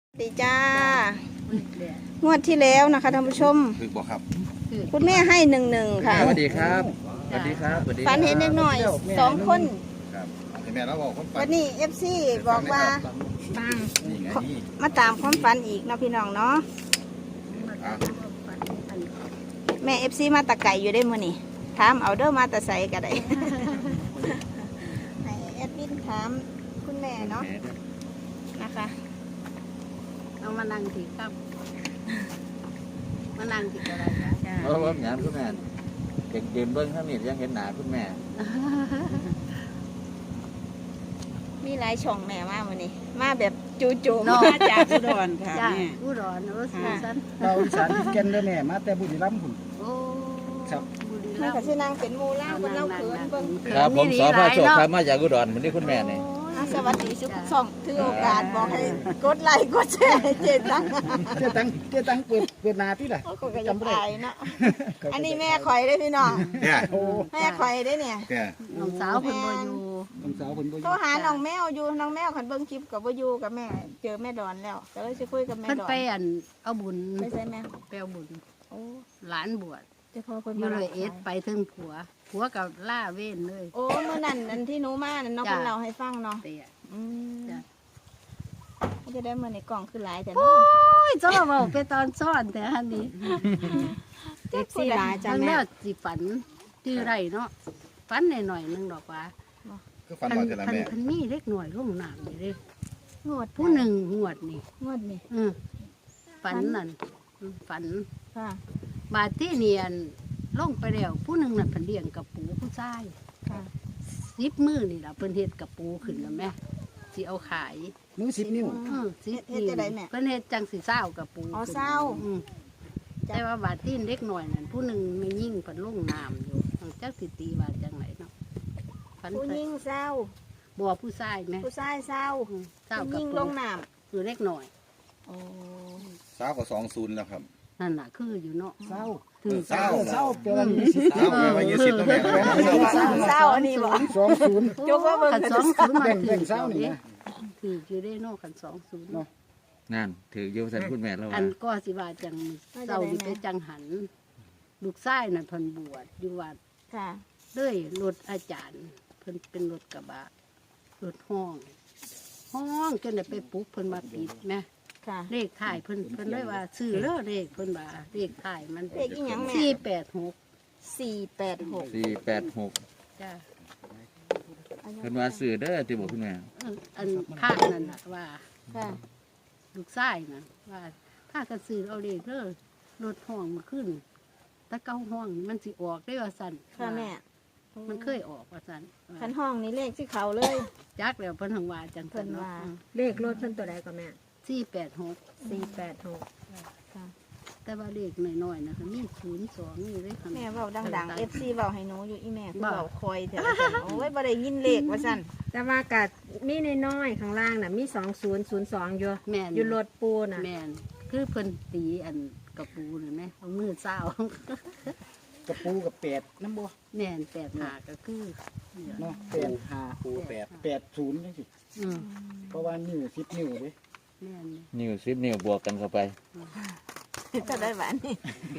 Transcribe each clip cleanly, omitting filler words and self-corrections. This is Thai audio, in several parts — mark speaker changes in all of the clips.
Speaker 1: ดีจ้างวดที่แล้วนะคะท่านผู้ชม
Speaker 2: คือบอกครับ
Speaker 1: คุณแม่ให้11ค่ะ
Speaker 3: สวัสดีครับสวัสดีครับสวัสดี
Speaker 1: ฝันเห็นเด็กหน่อย2 คน
Speaker 2: ครับแม่เราบอกคนฝั
Speaker 1: วันนี้ FC บอกว่า
Speaker 2: นี่ไงนี่
Speaker 1: มาตามความฝันอีกเนาะพี่น้องเนาะ
Speaker 2: อ่ะ
Speaker 1: แม่ FC มาตะไก่อยู่ได้มื้อนี้ถามเอาเด้อมาตะไสก็ได้ให้แอดมินถามคุณแม่เนาะนะคะ
Speaker 4: เอามานั่งสิครับมานั่งสิอะไรจ้ะ
Speaker 3: เพราะว่าหยามคุณแม่เด็กยืนเบิ้งข้างนี้ยังเห็นหนาคุณแม่
Speaker 1: มีหลายช่องแม่มามื้อนี้มาแบบจู่ๆ
Speaker 4: นอ
Speaker 1: มาจาก
Speaker 4: อุดรค่ะแม่อุดรโอ้สีสัน
Speaker 5: เราอีสานที่แก่นเด้อแม่มาแต่บุรีรัมย์พุ่น
Speaker 4: โอ้
Speaker 5: ครับ
Speaker 4: บุรี
Speaker 1: มั
Speaker 4: รั
Speaker 1: น
Speaker 4: ม
Speaker 1: ก็
Speaker 4: ย์
Speaker 1: สินางเป็นหมู่ล่าเพิ่นเล่าเขินเบิ่ง
Speaker 3: ครับผมสอพระโชคครับมาจากอุดรเหมือนที่คุณแม่นี่
Speaker 1: สวัสดีทุกช่องถือโอกาสบอกให้กดไลค์กดแชร์ให้เจตัง
Speaker 5: เจ้าตังเปิดหนาที่ล่ะ
Speaker 1: ก็จะตายเนาะอันนี้แม่ข่อยได้พี่น้อง
Speaker 2: เนี่ย
Speaker 5: โอ้
Speaker 1: แม่ข่อยได้เนี่ย
Speaker 2: เนี่ย
Speaker 4: น้องสาวเพิ่นบ่อยู่
Speaker 5: น้องสาวเพิ่นบ่อ
Speaker 1: โทร
Speaker 5: ยู่
Speaker 1: หาน้องแมวอยู่น้องแมวขันเบิ่งคลิปกับบ่อยู่กับแม่ เจอแม่ดอนแล้วก็เลยสิคุยกับแม่
Speaker 4: เพิ่น
Speaker 1: ดอน
Speaker 4: ไปอันเอาบุญ
Speaker 1: ไม่ใช่แม่
Speaker 4: ไปเอาบุญ
Speaker 1: โอ้
Speaker 4: หลานบวช
Speaker 1: เจะพอคน
Speaker 4: อยู่
Speaker 1: มา
Speaker 4: เลยเอ็ดไปถึงผัวกับล่าเว้นเลย
Speaker 1: โอ้เมื่อนั้นอันที่หนูมานั่นน้อง
Speaker 4: จ้ะ
Speaker 1: คนเราให้ฟังเนาะ
Speaker 4: เตะ
Speaker 1: อืม
Speaker 4: จ้ะ
Speaker 1: เขาจะได้มาในกล่องคือหลายแต่
Speaker 4: โอ้
Speaker 1: เนาะ
Speaker 4: ยเจ้าเว้าไปตอนซ่อนแต่อันนี้
Speaker 1: เจ็บซี่หลายจ้ะ
Speaker 4: มัน
Speaker 1: แม่
Speaker 4: แม่สิฝันที่ไรเนาะฝันหน่อยๆนึงดอกว่า
Speaker 2: คือฝันว่าจะละแม่
Speaker 4: พันมีเล็กหน่อยลงน้ำนี่เด้
Speaker 1: งวด
Speaker 4: ผู้หนึ่งงวดนี่
Speaker 1: งวดนี่
Speaker 4: ฝันนั่นฝัน
Speaker 1: ค่ะ
Speaker 4: บาดที่เนียนลงไปแล้วผู้หนึ่งนั่นเพิ่นเลี้ยงกับปูผู้ชาย
Speaker 1: ค่ะ
Speaker 4: 10 มื้อนี่ล่ะเพิ่นเฮ็ดกับปูขึ้นแล้วแม่สิเอาขาย
Speaker 5: มือ10 นิ้ว
Speaker 4: 10
Speaker 1: เฮ็ดจะได้แม่
Speaker 4: เพิ่นเฮ็ดจังสิเศร้ากับปู
Speaker 1: อ๋อ
Speaker 4: ขึ้น
Speaker 1: เศร้า
Speaker 4: อืมแต่ว่าบาดที่เล็กหน่อยนั่นผู้หนึ่งไม่ยิ่งเพิ่นลงน้ำอยู่จักสิตีว่าจังไหนเนาะฝัน
Speaker 1: ผู้หญิงเศร้า
Speaker 4: บ่ผู้ชายแม่
Speaker 1: ผู้ชายเศร้า
Speaker 4: เศร้า
Speaker 1: ผู้ห
Speaker 4: กับ
Speaker 1: ญิง
Speaker 4: ปู
Speaker 1: ลงน้
Speaker 4: คือเล็กหน่อย
Speaker 1: ำโอ้
Speaker 2: สาวก็20แล้วครับ
Speaker 4: นั่นน่ะคืออยู่เนาะ
Speaker 5: เศร้า
Speaker 4: ถือ
Speaker 2: เศร้า
Speaker 5: เศร้าเปลว่ามีสิทธิ์
Speaker 2: สาวแม่ว่า20แล้วแม่ก็แม่เศร้า
Speaker 1: เศร้าอันนี้บ่
Speaker 5: 20
Speaker 1: ยกว่าเบิ่ง
Speaker 4: ขัน
Speaker 1: กัน
Speaker 4: สองศูนย์มา
Speaker 5: แบ่ง
Speaker 4: ถือ
Speaker 5: เศร้านี่นะ
Speaker 4: ถืออยู่ได้เนอกขัน20
Speaker 5: เนาะ
Speaker 3: นั่นถือโยสันคุณแม่แล้ว
Speaker 4: อั
Speaker 3: ว่าน
Speaker 4: ก็สิว่าจังเศร้านี่ไปจังหัน ลูกชายน่ะเพิ่นบวชอยู่วัด
Speaker 1: ค่ะ
Speaker 4: เลยรถอาจารย์ เพิ่นเป็นรถกระบะรถห้องจนได้ไปปลุกเพิ่นมาปิดแม่
Speaker 1: ค่ะ
Speaker 4: เลขถ่ายเพิ่นเลยว่าซื้อเลขเพิ่นว่าเลขถ่ายมัน
Speaker 1: เลขอีหยังแม่
Speaker 4: 486
Speaker 1: 486
Speaker 4: จ้า
Speaker 3: เพิ่นว่าซื้อเด้อที่บอกคุณแม่
Speaker 4: อันพระนั่นน่ะว่า
Speaker 1: ค่ะ
Speaker 4: ลูกชายน่ะว่าถ้ากระสือเอาเลขเด้อรถห้องมาขึ้นตะเก้าห้องมันสิออกได้ว่าสั่น
Speaker 1: ค่ะแม่
Speaker 4: มันเคยออกว่าสั่น
Speaker 1: คันห้องนี้เลขที่เขาเลย
Speaker 4: จักแล้วเพิ่นหังว่าจัง
Speaker 1: เพิ่
Speaker 4: ซั่น
Speaker 1: น
Speaker 4: เนาะ
Speaker 1: ว่า
Speaker 6: เลขรถเพิ่นตัวใดก็แม่
Speaker 4: 486
Speaker 6: 486
Speaker 1: ค่ะ
Speaker 4: แต่ว่าเลขน้อยๆนะคะมี02นี่เลยค่ะ
Speaker 1: แม่เว้าดังๆ FC เว้าให้หนูอยู่อีแม่คือ
Speaker 4: บ่
Speaker 1: เว้าคอยเถอะว่าซั่นโอ้ยบ่ได้ยินเลขว่าซั่น
Speaker 6: แต่ว่ากัดมีน้อยๆข้างล่างน่ะมี2002อยู่
Speaker 4: แม่น
Speaker 6: อยู่รถปูน่ะ
Speaker 4: แม่นคือเพิ่นตีอันกระปูน่ะแม่เอามือเศร้า
Speaker 5: กับปูกับ8นำบ่
Speaker 4: แม่น85ก็คือเนี่ย
Speaker 5: เนาะ8 5ปู8 80จังซี่
Speaker 4: อืม
Speaker 5: เพราะว่านิ้ว10 นิ้วเด้
Speaker 4: แม่น
Speaker 3: นิ้ว10นิ้วบวกกันเข้าไป
Speaker 1: จะได้หวานนี่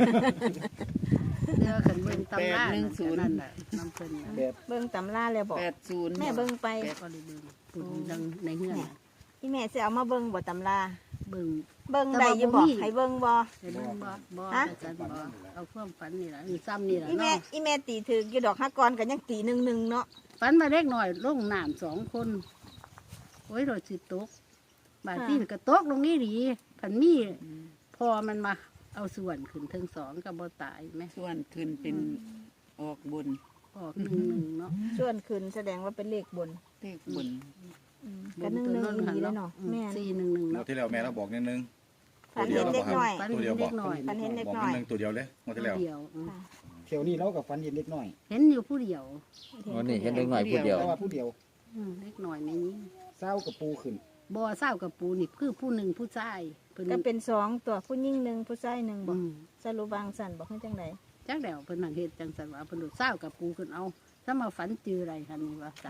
Speaker 4: เดี๋ยวคันเบิ่งตำรานั่นก็นั่นน่ะนำเพิ่นน่ะ
Speaker 1: เบิ่งตำราแล้วบอกแม่เบิ่งไป
Speaker 4: ก็เลยเบิ่งปุ่นดังในเฮือนน่ะ
Speaker 1: อีแม่สิเอามาเบิ่งบ่ตำรา
Speaker 4: เบิ่ง
Speaker 1: เบิ่งได้อยู่บ่
Speaker 4: แต่ว่าบ่มี
Speaker 1: ให้เบิ่งบ่
Speaker 4: ให้เบิ่งบ่
Speaker 1: ฮะ
Speaker 4: อาจารย์บ่เอาความฝันนี่ล่ะนี่ซ้ำนี่ล่ะ
Speaker 1: อีแม่
Speaker 4: เนาะ
Speaker 1: อีแม่ตีถึกอยู่ดอกฮักกรก็ยังตี1-1เนาะ
Speaker 4: ฝันมาเล็กน้อยลงน้ำ2 คนโอ้ยรถสิตกบาดที่ก็ตกลงนี่ดีพันมีพอมันมาเอาส่วนขึ้นถึง2ก็บ่ตายแม่
Speaker 7: ส่วนขึ้นเป็นออกบน
Speaker 4: ออก1เนาะ
Speaker 1: ส่วนขึ้นแสดงว่าเป็นเลขบน
Speaker 7: เลขบน
Speaker 1: ก็1-1ดีแล้วเนาะแม่
Speaker 4: 411
Speaker 2: งว
Speaker 4: เนาะ
Speaker 2: ดที่แล้วแม่เราบอกนิดนึง
Speaker 1: ฝันเห็นเด็กน้อย
Speaker 4: ฝัน
Speaker 2: ตัว
Speaker 4: เห็
Speaker 2: เดียวน บ
Speaker 4: เล็
Speaker 2: อก
Speaker 4: กน้อย
Speaker 1: ฝันเห็นเด็ก
Speaker 2: บอก
Speaker 1: น้อย
Speaker 2: นิดนึงตัวเดียวเลยงวดที่แล้ว
Speaker 4: เดียว
Speaker 1: ค่ะ
Speaker 5: เที่ยวนี้เราก็ฝันเห็นเล็กน้อย
Speaker 4: เห็นอยู่ผู้เดียว
Speaker 3: วันนี้เห็นเด็กหน่อยพูดเดียว
Speaker 5: แต่ว่าผู้เดียว
Speaker 4: เล็กน้อยในนี้
Speaker 5: เศร้ากับปูขึ้น
Speaker 4: บ่เศร้ากับปูนี่คือผู้หนึ่งผู้ชายเพิ่น
Speaker 1: ก็เป็น2ตัวผู้หญิง1ผู้ชาย1บ่
Speaker 4: อืม
Speaker 1: สรุปวางสั่นบอกให้จังได
Speaker 4: จักแล้วเพิ่นนั่งเฮ็ดจังซั่นว่าเพิ่นดูเศร้ากับปูขึ้นเอาถ้ามาฝันจืออะไรคันนี้ว่าซั่น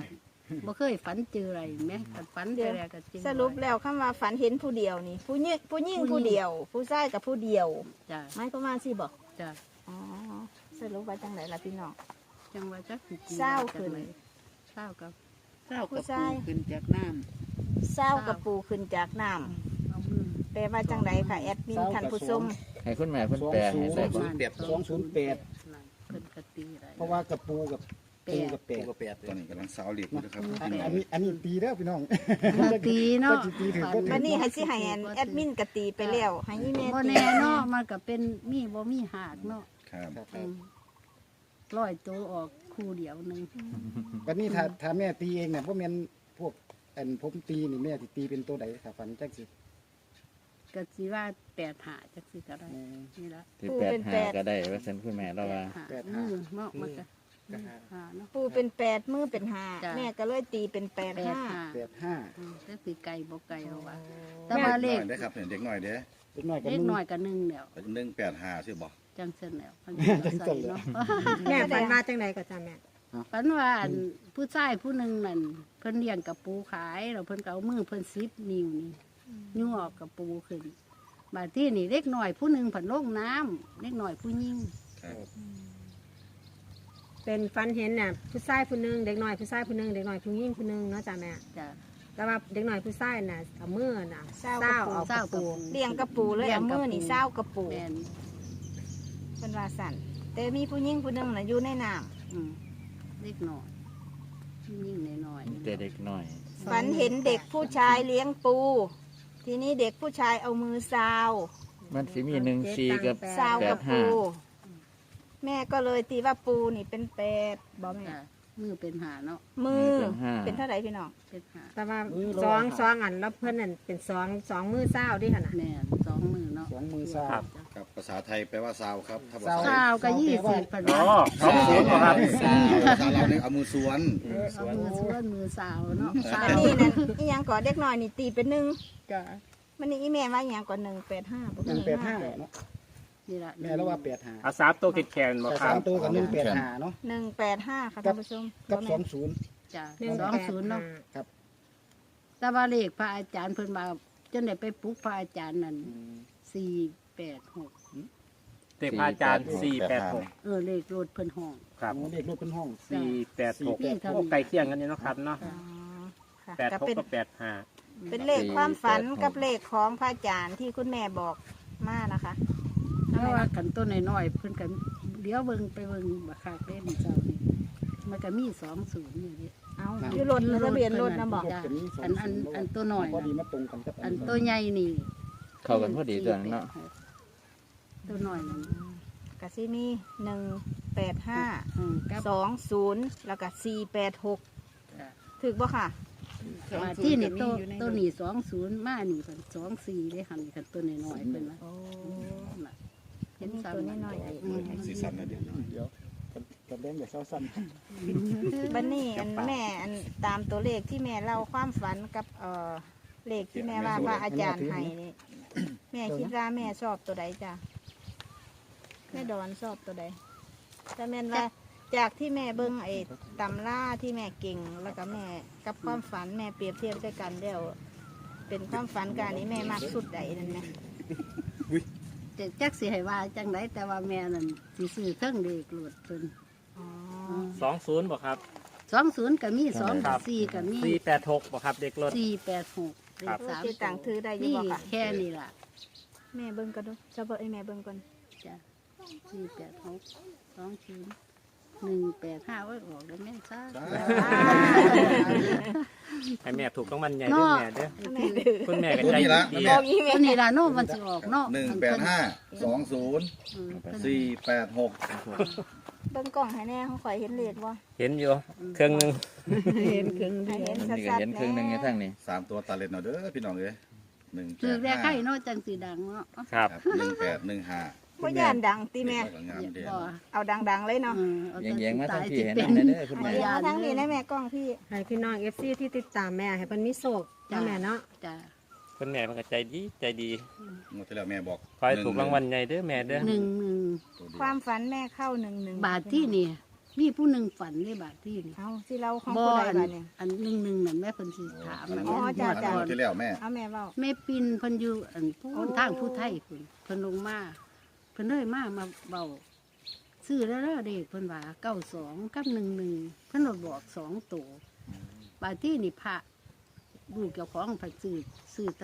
Speaker 4: บ่เคยฝันเจออะไรแม่คันฝันเจออะไรก็เจอ
Speaker 1: สรุปแล้วคำว่าฝันเห็นผู้เดียวนี่ ผู้หญิงผู้เดียว ผู้ชายกับผู้เดียว
Speaker 4: จ้ะ
Speaker 1: ไม่ก็มาสิบอก
Speaker 4: จ้ะ
Speaker 1: อ๋อสรุปว่าจังไหนล่ะพี่น้อง
Speaker 4: จังว่าจักสิ
Speaker 1: เศร้าขึ้น
Speaker 4: เศร้ากับ
Speaker 7: เจ้ากับ
Speaker 1: ผู้ชาย
Speaker 7: ปูขึ้นจากน้
Speaker 1: เศร้ากับปูขึ้นจากน้
Speaker 4: เอามือ
Speaker 1: ำแปลว่าจังไหนค่ะแอดมินท่านผู้ชม
Speaker 3: ให้คุณแม่เพิ่นแปลให้ได้บ่
Speaker 5: 208
Speaker 4: เพิ่นกตีอะไร
Speaker 5: เพราะว่ากับปูกับ
Speaker 4: แป
Speaker 5: ปู
Speaker 4: ด
Speaker 5: กับแปด
Speaker 2: ก็ตอนนี้กำลังสาวเหล็กอยู่นะครับ
Speaker 5: อัน
Speaker 2: พี่น้อง
Speaker 5: นี้ตีเด้อพี่น้อง
Speaker 4: ตีเนาะ
Speaker 5: ก็สิตีถึงก็ถึง
Speaker 1: วันนี้ให้สิให้แอดมินกตีไปแล้วให้ยี่แม่
Speaker 4: บ่
Speaker 1: ตี
Speaker 4: แน่เนาะมันก็เป็นมีบ่มีหากเนาะ
Speaker 2: ครับ
Speaker 4: ร้อยตัวออกคู่เดียวหนึง
Speaker 5: วันนี้ถ้าแม่ตีเองเนี่ยบ่แม่นพวกอันผมตีนี่แม่สิตีเป็นตัวใดถ้าฝันจังสิ
Speaker 4: ก็สิว่า8หาจักสิก็ได้นี่ละ
Speaker 3: ที่85ก็ได้ว่าซั่นคุณแม่เราว่า
Speaker 4: 8มือเนาะมันก็หาเนาะ
Speaker 1: ปูเป็น8มือเป็น
Speaker 4: จ้ะ
Speaker 1: 5แม่ก็เลยตีเป็น8
Speaker 4: 8
Speaker 1: 5
Speaker 4: หา
Speaker 5: 85
Speaker 4: แต่สิไก่บ่ไก่เอาว่าแต่ว่าเลข
Speaker 2: ได้ครับเด็กหน่อยเด้
Speaker 5: เล็กน้อยกับ
Speaker 4: เล็ก
Speaker 5: มึง
Speaker 4: น้อยก็1แล้ว
Speaker 2: 185ใช่บ่
Speaker 4: จังเส้นแล้วมัน
Speaker 5: จังเส้นแล้ว
Speaker 6: แม่ฝันมาจังไหนก็จ้าแม่
Speaker 4: ฝันว่าอันผู้ชายผู้หนึงนั่นเพิ่นเลี้ยงกับปูขายแล้วเพิ่นก็เอามือเพิ่น10นิ้วนี่ยั่วออกกับปูขึ้นบาดที่นี่เล็กน้อยผู้หนึงเพิ่นลงน้ำเล็กน้อยผู้หญิง
Speaker 2: ครับ
Speaker 6: เป็นฝันเห็นน่ะผู้ชายผู้หนึงเด็กน้อยผู้ชายผู้หนึงเด็กน้อยผู้หญิงผู้หนึงเนาะจ้าแม่
Speaker 4: จ้ะ
Speaker 6: แต่ว่าเด็กน้อยผู้ชายน่ะเอามือน่ะ
Speaker 1: เศร้า
Speaker 6: เศร้า
Speaker 1: กับปู
Speaker 6: เอา
Speaker 4: เศร้า
Speaker 6: กับ
Speaker 4: กับ
Speaker 6: ปู
Speaker 4: ปู
Speaker 1: เลี้ยงกระปูเลยเอามือนี่เศร้ากระปู
Speaker 4: แม่น
Speaker 1: เป็นว่าสั่นแต่มีผู้หญิงผู้หนึงน่ะอยู่ในน้
Speaker 4: อืมเล็กน้อยผู้หญิงน้อยๆ
Speaker 3: แต่เด็กน้อย
Speaker 1: ำฝันเห็นเด็กผู้ชายเลี้ยงปู ทีนี้เด็กผู้ชายเอามือซาว
Speaker 3: มันสิมี14กับ
Speaker 1: ซาวกับปู
Speaker 3: 85
Speaker 1: แม่ก็เลยตีว่าปูนี่เป็น8บอกแม่
Speaker 4: จ้ะมือเป็นหาเนาะ
Speaker 1: มือ
Speaker 3: เป็นห้า
Speaker 1: เป็นเท่าไหร่พี่น้อง
Speaker 4: เป็นหา
Speaker 6: แต่ว่าสองอันแล้วเพื่อนนั่นเป็นสองมือเศร้าดิค่ะน่ะ
Speaker 4: แม่นสองมือเนาะ
Speaker 5: สองมือซ้าย
Speaker 2: ครับภาษาไทยแปลว่าสาวครับถ้าภา
Speaker 5: สาว
Speaker 2: ษา
Speaker 4: ข้าวก็20พัน
Speaker 8: อ๋อ
Speaker 4: ว่า
Speaker 8: 20เหรอครับ
Speaker 2: ภาษาเราเนี่ยเอามือสวน
Speaker 4: เอามือส่วนมือสาวเนาะสา
Speaker 1: อัน
Speaker 4: ว
Speaker 1: นี้นั่นอีหยังก่อเด็กน้อยนี่ตีเป็น1
Speaker 4: จ้ะ
Speaker 1: มันนี่อีแม่ว่าอีหยังก่อ185บ่
Speaker 5: 185เนาะ
Speaker 4: นี่ล่ะ
Speaker 5: แม่แล้วว่า85
Speaker 8: เอา3ตัวแขนๆบ่
Speaker 5: แต่
Speaker 8: ครั
Speaker 5: สา
Speaker 8: บ
Speaker 5: มตัวกับ185เนาะ
Speaker 1: 185ค่ะท่านผู้ชม
Speaker 5: กับ
Speaker 1: บ่แม่น
Speaker 5: 20
Speaker 4: จ้ะ
Speaker 6: 185
Speaker 4: 20เนาะแต่ว่าเลขพระอาจารย์เพิ่นมาจนได้ไปปลุกพระอาจารย์นั่น486
Speaker 8: เด็กพระอาจารย์486
Speaker 4: เลขรถเพิ่นห้อง
Speaker 8: ครับ
Speaker 5: เลขรถขึ้นห้อง
Speaker 8: 486โอ้ใกล้เคียงกันนี่เนาะครับเนาะ
Speaker 1: อ๋อค่ะ
Speaker 8: 86
Speaker 1: ก็เป็น
Speaker 8: กับ85
Speaker 1: เป็นเลขความฝันกับเลขของพระอาจารย์ที่คุณแม่บอกมานะคะ
Speaker 4: เพราะว่ากันต้นน้อยๆเพิ่นก็เดี๋ยวเบิ่งไปเบิ่งบักคักเด้มันเจ้านี่มันก็มี20นี่เด้
Speaker 1: เอาอยู่รถทะเบียนรถนะบอก
Speaker 4: จ้ะอันตัวน้อย
Speaker 5: พอดี
Speaker 4: น่ะ
Speaker 5: มาตรงกันกับ
Speaker 4: อันตัวใหญ่นี่
Speaker 3: เข้ากันพอดีตัวนั้นเนาะ
Speaker 4: ตัวน้อยนั่น
Speaker 1: กะซิมี185
Speaker 4: กับ
Speaker 1: 20แล้วก็486
Speaker 4: จ้ะ
Speaker 1: ถึกบ่ค่ะ
Speaker 4: มาที่นี่ตัวนี้20มานี่เพิ่น24ได้หั่นกันตัวน้อยๆเพิ่นว่า
Speaker 1: โอ้
Speaker 4: น่ะเห็น
Speaker 1: ตัว
Speaker 4: ซ้ำ
Speaker 1: น้อยๆ
Speaker 2: สีสันนะเดี๋ยว
Speaker 5: เดี๋ยวกับแดงเดี๋ยวเศร้าสั้น
Speaker 1: บันนี้อันแม่อันตามตัวเลขที่แม่เล่าความฝันกับเลขที่แม่ว่าพระอาจารย์ให้นี่แม่คิดว่าแม่ชอบตัวใดจ้ะแม่ดอนชอบตัวใดแต่แม่นว่าจากที่แม่เบิ้งไอ้ตำล่าที่แม่เก่งแล้วก็แม่กับความฝันแม่เปรียบเทียบด้วยกันเดี๋ยวเป็นความฝันการนี้แม่มากสุดใดนั่นไหม
Speaker 4: จักสิให้ว่าจังไดแต่ว่าแม่นั่นสิซื้อเครื่องเด็กโลดเพิ่น
Speaker 1: อ๋อ
Speaker 8: 20บ่ครับ
Speaker 4: 20ก็มี2กับ4ก็มี
Speaker 8: 486บ่ครับเด็กรถ
Speaker 4: 486เล
Speaker 8: ครั
Speaker 4: ข
Speaker 8: บ
Speaker 4: สาม
Speaker 1: ที่ต่างถือได้อยัง
Speaker 4: นี่
Speaker 1: บ่ค่ะ
Speaker 4: แค่นี้ล่ะ
Speaker 1: แม่เบิ้งกันดูจะเบิ้งให้แม่เบิ้งก่อน
Speaker 4: จ้ะ486 185ไว้ออกแล้วแม่ซ่า
Speaker 8: ให้แม่ถูกรางวัลใหญ่เด้อแม่เด้อ
Speaker 1: แม่ถือ
Speaker 8: คุณแม่ก็ใจดี
Speaker 1: บอกอีแม่
Speaker 4: ตัวนี้ล่ะเนาะมันสิออกเนาะ
Speaker 2: 185 20 486
Speaker 1: เบิ้งกล่องให้แน่เขาขอยเห็นเลขบ่
Speaker 8: เห็นอยู่เครื่องหนึง
Speaker 4: เห็นครึ่ง
Speaker 1: ให้เห็น
Speaker 3: นี่ก็
Speaker 1: ชัด
Speaker 3: เห็น
Speaker 1: ๆ
Speaker 3: ครึ่งหนึงใน
Speaker 1: แน่
Speaker 3: ทางนี้
Speaker 2: 3ตัวตาเล็ดเนาะเด้อพี่น้องเอ้ย
Speaker 4: คือแรกให้
Speaker 2: 185
Speaker 4: เนาะจังสิดังเนาะ
Speaker 8: ครับ
Speaker 2: 1815
Speaker 1: บ่ย่านดังตีแม่
Speaker 2: งามเด่น
Speaker 4: บ่
Speaker 1: เอาดังๆเลยเนาะ
Speaker 3: แยงๆมาทางพี่เห็น
Speaker 4: เป็
Speaker 3: นั่นเด้อคุณแม่
Speaker 1: เอาทั้งนี้นะแม่กล้องพี่
Speaker 6: ให้พี่น้อง FC ที่ติดตามแม่ให้เพิ่นมีโศกเนาะแม่เนาะ
Speaker 4: จ้ะ
Speaker 8: คุณแม่มันก็ใจดี
Speaker 2: งวดที่แล้วแม่บอก
Speaker 8: ขอให้ถูกรางวัลใหญ่เด้อแม่เด้อ
Speaker 4: 1
Speaker 1: ความฝันแม่เข้า1
Speaker 4: บาทที่นี่มีผู้หนึ่งฝันในบาทที่นี่
Speaker 1: เอาสิเราของ
Speaker 4: บ่
Speaker 1: ผู้ใด
Speaker 4: อัน
Speaker 1: บ้านเนี่ย
Speaker 4: อันหนึ่งนั่นแม่เพิ่นสิถาม
Speaker 1: อ๋อจ้ะ
Speaker 2: งวดที่แล้วแม่
Speaker 1: เอาแม่เว้า
Speaker 4: แม่ปินเพิ่นอยู่อันผู้
Speaker 1: โอ้
Speaker 4: ทางผู้ไทยเพิ่นลงมาเพิ่นเลยมาเบาซื้อแล้วเด็กเพิ่นว่า92กับ11เพิ่นบอก2ตัวบาทที่นี่พระลูกเจ้าของเพิ่นซื้อแต่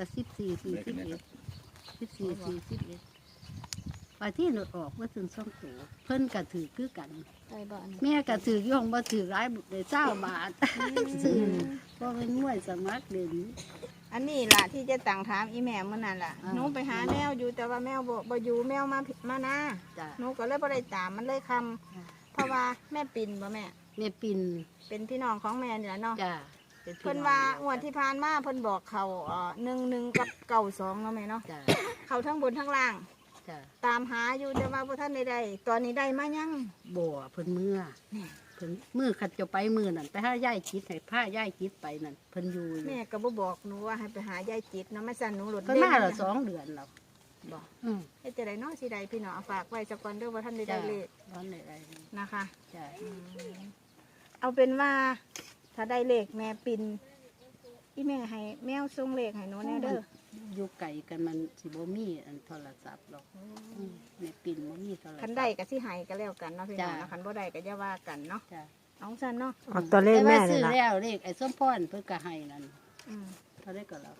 Speaker 4: 14 41บาทที่หนดออกว่าถึง2ตัวเพิ่นก็ถือคือกัน
Speaker 1: ได้บ่อันนี้
Speaker 4: แม่ก็ถือย่องบ่ถือหลายได้20 บาทซื้อบ่เป็นมวยสมัครเด่น
Speaker 1: อันนี้ล่ะที่จะตั้งถามอีแม่เมื่อนั้นล่ะ
Speaker 4: อ่า
Speaker 1: หนูไปหาแมวอยู่แต่ว่าแมวบ่อยู่แมวมานา
Speaker 4: จ้ะ
Speaker 1: หนูก็เลยบ่ได้ตามมันเลยคำเพราะว่าแม่ปิ่นบ่แม่
Speaker 4: แม่ปิน
Speaker 1: เป็นพี่น้องของแม่นี่แหละเนาะ
Speaker 4: จ้ะป็พี่
Speaker 1: เพิ่น
Speaker 4: อง
Speaker 1: ว่างวดที่ผ่านมาเพิ่นบอกเขา11กับ92เนาะแม่เนาะ
Speaker 4: จ้ะ
Speaker 1: เขาทั้งบนทั้งล่าง
Speaker 4: จ้ะ
Speaker 1: ตามหาอยู่แต่ว่าบ่ทันได้ตอนนี้ได้มายัง
Speaker 4: บ่เพิ่นเมื่อเพิ่นมือขัดจะไปมือนั่นไปหาย่ายคิดให้ผ้าย่ายคิดไปนั่นเพิ่นอยู่
Speaker 1: แม่ก็บ่บอกหนูว่าให้ไปหายายจิตเนาะมาสั่นหนูหลุด
Speaker 4: เพิ่นมาแล้ว2 เดือนแล้ว
Speaker 1: บอก
Speaker 4: อืม
Speaker 1: เฮ็ดจะได้เนาะสิได้พี่น้องเอาฝากไว้จักก่อนเด้อว่าท่านได้
Speaker 4: จ้ะ
Speaker 1: ได้เลข
Speaker 4: ร้อนไหน
Speaker 1: นะคะ
Speaker 4: จ้ะ
Speaker 1: เอาเป็นว่า ถ้าได้เลขแม่ปินอีแม่ให้แมวส่งเลขให้หนูแน่เด้อ
Speaker 4: อยู่ไกลกันมันสิบ่มีอันโทรศัพท์หรอกแม่ปินบ่มีโทรศัพท์
Speaker 1: คันได้ก็สิให้ก็แล้วกันเนาะพี่น้อง
Speaker 4: จ้ะ
Speaker 1: เนาะคันบ่ได้ก็อย่าว่ากันเนาะ
Speaker 4: จ้ะ
Speaker 1: เอาซั่นเนาะ
Speaker 6: ออกตัวเลขแม่
Speaker 4: ต่ว่า
Speaker 6: เล
Speaker 4: ซื้
Speaker 6: ย
Speaker 4: อ
Speaker 6: ล่ะ
Speaker 4: แล้วเลขไอ้ส้มพรเพิ่นก็ให้นั่น
Speaker 1: อืม
Speaker 4: เท่าได้ก็แล้ว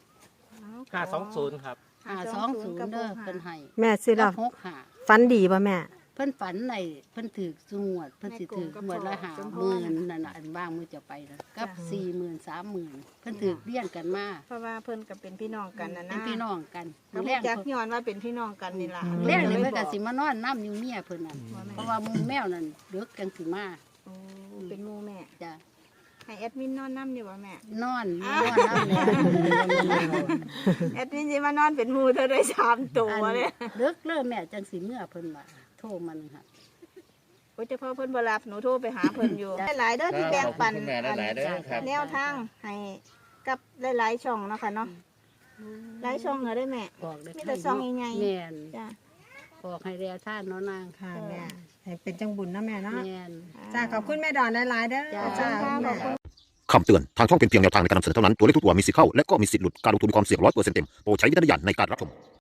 Speaker 8: 520ครับ
Speaker 4: 520เด้อเพิ่นให้
Speaker 6: แม่ซื้อแล้ว
Speaker 4: 65
Speaker 6: ฝันดีป่ะแม่
Speaker 4: เพิ่นฝันในเพิ่นถือสูงวดเพิ่นสิถือหมวดละ50,000นั่นน่ะอันบ้างมือจะไปนะกับ40,000 30,000เพิ่นถือเลี้ยงกันมา
Speaker 1: เพราะว่าเพิ่นก็เป็นพี่น้องกันนะ
Speaker 4: เป็
Speaker 1: นะ
Speaker 4: นพี่น้องกัน
Speaker 1: ก็
Speaker 4: แร
Speaker 1: รู้
Speaker 4: ก
Speaker 1: จักย้อนว่าเป็นพี่น้องกันนี่ล่ะ
Speaker 4: แรกนี่เพิ่นก็สิมานอนน้ำอยู่เมียเพิ่นน่ะเพราะว่าหมูแมวนั่นเดึกกันสิมา
Speaker 1: โอ้เป็นหมู่แม่
Speaker 4: จ้ะ
Speaker 1: ให้แอดมินนอนน้ำอยู่บ่แม่
Speaker 4: นอนน้ำแล้ว
Speaker 1: แอดมินสิมานอนเป็นหมู่เธอได้3ตัวเลย
Speaker 4: เดึกเริ่มแม่จังสิเมื่อเพิ่นมาโทรมานึงค่ะ
Speaker 1: โอ้ยเฉพาะเพิ่นบ่รับหนูโทรไปหาเพิ่นอยู่ หลายๆเด้อที่แบ่งปัน
Speaker 3: ขอบคุณคุณแม่หลายๆเด้อครับ
Speaker 1: แนวทางให้กับหลายๆช่องเนาะค่ะเนาะหลายช่องเหรอได้แม่
Speaker 4: บอกได้
Speaker 1: มีแต่ซองใหญ่ๆ
Speaker 4: แม่น
Speaker 1: จ้ะ
Speaker 4: บอกให้แลท่านเนาะนาง
Speaker 6: ค่ะแม่ให้เป็นจังบุญนะแม่เนาะ
Speaker 4: แม่น
Speaker 6: จ้าขอบคุณแม่ดอนหลายๆเด้อ
Speaker 4: จ้า
Speaker 6: จ้า
Speaker 1: ขอบคุณ
Speaker 9: คำเตือน ทางช่องเป็นเพียงแนวทางในการนำเสนอเท่านั้น ตัวเลขทุกตัวมีสิทธิ์เข้า และก็มีสิทธิ์หลุด การลงทุนมีความเสี่ยง100%เต็ม โปรดใช้วิจารณญาณในการรับชม